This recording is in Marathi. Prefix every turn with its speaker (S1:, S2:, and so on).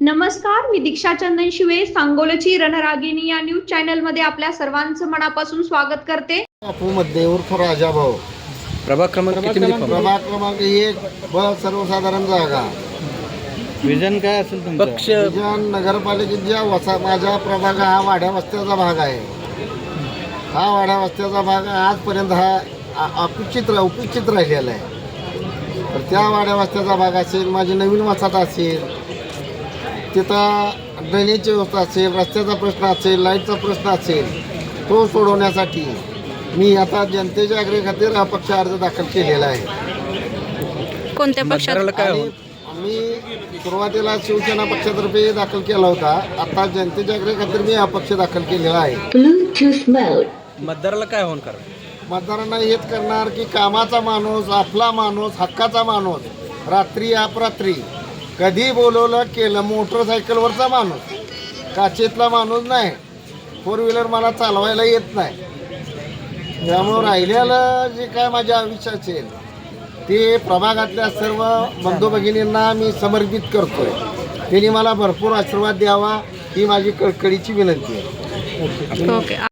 S1: नमस्कार, मी दीक्षा चंदन शिवे, सांगोलची रणरागिणी या न्यूज चॅनल मध्ये आपल्या सर्वांचं मनापासून स्वागत करते.
S2: मध्ये उर्फ राजाभाऊ,
S3: प्रभाग क्रमांक किती मध्ये
S2: प्रभाग क्रमांक 1 ब सर्वसाधारण जागा.
S3: विजन काय असेल तुमचं? पक्ष
S2: विजन नगरपालिकेच्या माझा प्रभाग हा वाड्या वस्त्याचा भाग आहे. हा वाड्या वस्त्याचा भाग आजपर्यंत हा उपेक्षित राहिलेला आहे. तर त्या वाड्या वस्त्याचा भाग असेल, माझी नवीन वसाहत असेल, तिथं ड्रेनेजची व्यवस्था असेल, रस्त्याचा प्रश्न असेल, लाईटचा प्रश्न असेल, तो सोडवण्यासाठी मी आता जनतेच्या आग्रह खातीर अपक्ष अर्ज दाखल केलेला आहे.
S4: कोणत्या पक्षात?
S2: आणि मी सुरुवातीला शिवसेना पक्षातर्फे दाखल केला होता. आता जनतेच्या आग्रह खातीर मी अपक्ष दाखल केलेला आहे.
S3: मतदाराला काय होणार?
S2: मतदारांना हेच करणार की कामाचा माणूस, आपला माणूस, हक्काचा माणूस, रात्री अपरात्री कधी बोलवलं केलं, मोटरसायकलवरचा माणूस, काचेतला माणूस नाही. 4 व्हीलर मला चालवायला येत नाही. त्यामुळं राहिलेलं जे काय माझ्या आयुष्य असेल ते प्रभागातल्या सर्व बंधू भगिनींना मी समर्पित करतोय. त्यांनी मला भरपूर आशीर्वाद द्यावा ही माझी कळकळीची विनंती आहे.
S4: ओके.